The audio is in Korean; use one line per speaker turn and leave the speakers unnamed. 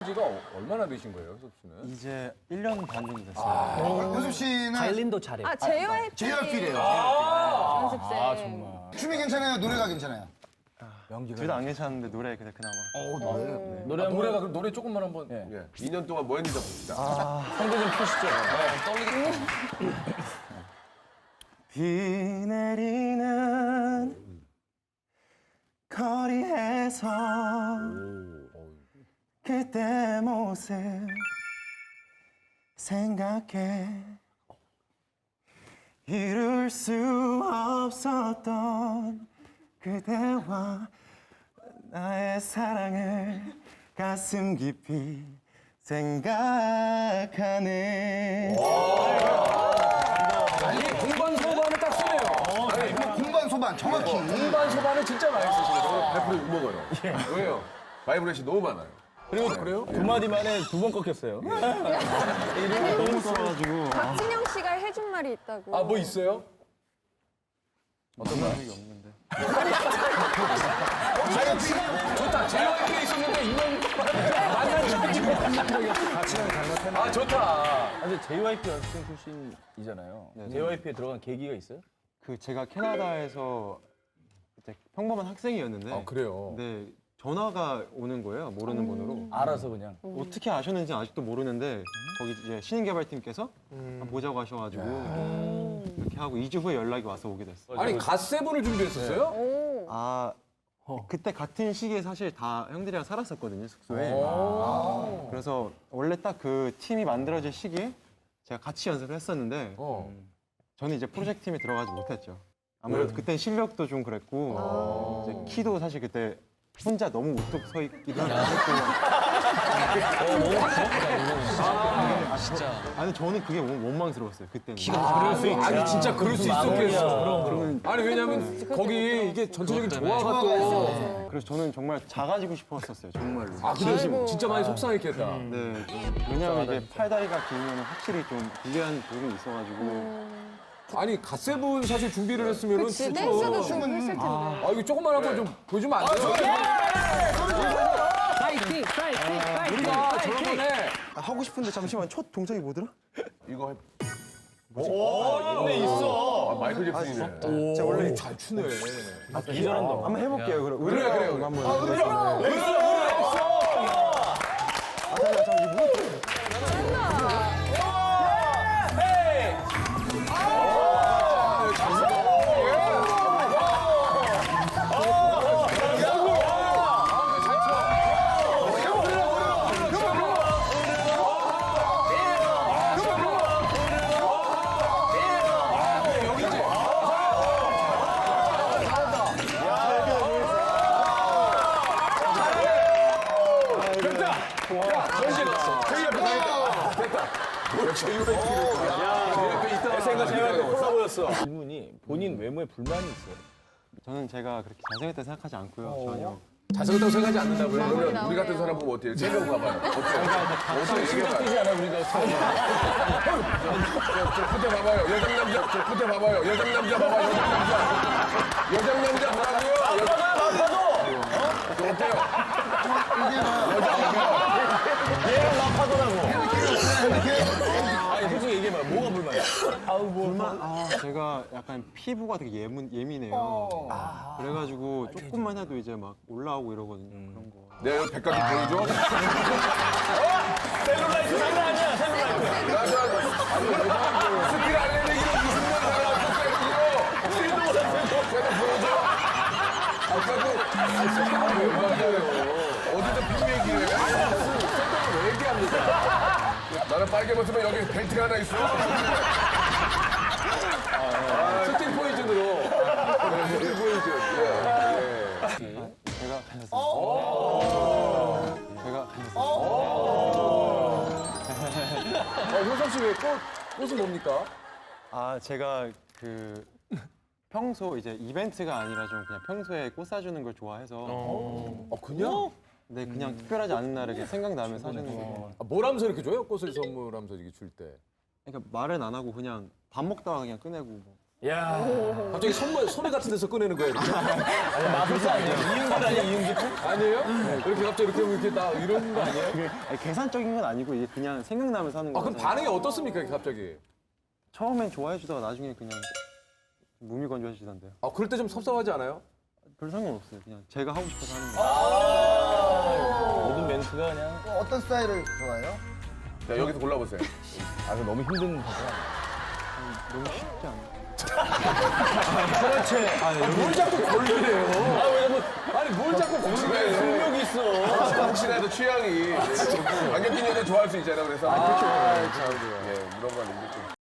지가 얼마나 되신 거예요, 효섭 씨는?
이제 1년 반 정도 됐어요.
효섭 씨는
바이올린도 잘해.
아, JYP
JYP래요.
연습생.
아, 정말.
춤이 괜찮아요? 노래가 괜찮아요?
둘 다 안 괜찮은데 노래 그냥 그나마.
노래가 그럼 노래 조금만 한번.
예. 2년 동안 뭐 했는지 봅시다.
성대 좀 펴시죠.
비 내리는 거리에서 그때 모습 생각해 이룰 수 없었던 그대와 나의 사랑을 가슴 깊이 생각하네.
아니, 공반 소반을 딱 쓰네요.
공반 소반 정확히.
공반 소반을 진짜 많이 쓰시네요.
100% 욕먹어요. 왜요? 바이브레이션 너무 많아요.
그래요?
두 마디 만에 두 번 꺾였어요.
너무 떨어가지고
박진영 씨가 해준 말이 있다고.
아, 뭐 있어요?
어떤 말이 없는데.
좋다. JYP에 있었는데 이런 만난 적이 아, 좋다.
근데 JYP 연습생 출신이잖아요. JYP에 들어간 계기가 있어요?
그 제가 캐나다에서 이제 평범한 학생이었는데
아, 그래요?
네, 전화가 오는 거예요. 모르는 번호로.
알아서 그냥.
어떻게 아셨는지 아직도 모르는데 거기 이제 신인개발팀께서 한번 보자고 하셔가지고 이렇게 하고 2주 후에 연락이 와서 오게 됐어요.
아니, 갓세븐을 준비했었어요?
오.
아 그때 같은 시기에 사실 다 형들이랑 살았었거든요 숙소에. 그래서 원래 딱 그 팀이 만들어질 시기에 제가 같이 연습을 했었는데 저는 이제 프로젝트 팀에 들어가지 못했죠. 아무래도 그때 실력도 좀 그랬고 이제 키도 사실 그때 혼자 너무 우뚝 서 있기도 하고.
진짜.
아니 저는 그게 원망스러웠어요 그때는.
아니, 진짜 그럴 수 있었겠어. 아니, 왜냐면 거기 이게 전체적인 조화가 또.
그래서 저는 정말 작아지고 싶었었어요 정말로.
아, 그래? 진짜 많이 속상했겠다.
네. 왜냐면 이게 팔다리가 길면 확실히 좀 불리한 부분이 있어가지고.
아니, 갓세븐 사실 준비를 했으면은
그치,
진짜.
댄스도 좀 했을 텐데.
아, 이거 조금만 한번 좀 보여주면 안 돼요?
파이팅! 파이팅!
우리가 저번에
하고 싶은데 잠시만 첫 동작이 뭐더라?
이거 해.
근데 있어.
아, 마이클 잭슨이네.
제가 원래
잘 추네.
기절한다.
한번 해볼게요 그럼.
그래.
한번.
질문이 본인 외모에 불만이 있어요.
저는 제가 그렇게 잘생겼다 생각하지 않고요 전혀.
잘생겼다고 생각하지 않는다고요?
그러면 우리 같은 사람 보면 어때요? 세명 봐봐요. 어때요? 어떻게 얘기해봐.
뛰지 않아 우리가.
저 끝에 봐봐요. 여장 남자. 저 끝에 봐봐요. 여장 남자 봐봐요. 여장 남자. 여장 남자 보라고요. 저 어때요?
얘랑 나파더라고. 아니 솔직히 얘기해봐. 뭐가 불만이야?
제가 약간 피부가 되게 예민해요. 그래가지고 조금만 해도 이제 막 올라오고 이러거든요. 그런 거.
내가 여기 백각기 보여줘.
셀룰라이트 장난 아니야. 셀룰라이트.
스킬 알레르기로 무슨 말 달라. 스킬도 보여줘. 아까도 왜 맞아요? 어디서 빈 얘기를 해? 생각을 왜 얘기합니까? 나는 빨개 벗으면 여기 벨트가 하나 있어.
스틸 포이즌으로.
스틸 포이즌.
제가 제가
효섭 씨 왜 꽃은 뭡니까?
제가 그 평소 이제 이벤트가 아니라 좀 그냥 평소에 꽃 사주는 걸 좋아해서
그냥?
네 그냥 특별하지 않은 날에 그냥 생각나면 사주는 거.
뭐라면서 이렇게 줘요? 꽃을 선물하면서 이렇게 줄 때.
그러니까 말은 안 하고 그냥 밥 먹다가 그냥 꺼내고 뭐.
야,
갑자기 소매 같은 데서 꺼내는 거예요. 이렇게?
마술사 아니에요? 이응길 아니에요? 이응길?
아니에요? 이렇게 갑자기 이렇게 나 이런 거 아니에요?
아니, 계산적인 건 아니고 이게 그냥 생각나면서 하는
아,
거예요.
그럼 반응이 어떻습니까, 갑자기?
처음엔 좋아해 주다가 나중에 그냥 무미건조해 주던데요.
아, 그럴 때 좀 섭섭하지 않아요?
별 상관없어요. 그냥 제가 하고 싶어서 하는 거예요.
모든 멘트가 그냥.
어떤 스타일을 좋아해요?
자, 여기서 골라보세요.
아, 이거 너무 힘든 거구나.
너무 쉽지 않아요.
뭘 자꾸 걸리래요? 아니, 뭘 자꾸 걸리래요?
능력이 있어.
혹시나 해도 취향이 안경 낀 여자 좋아할 수 있잖아요. 그래서 참, 예, 물어봤는데 좀.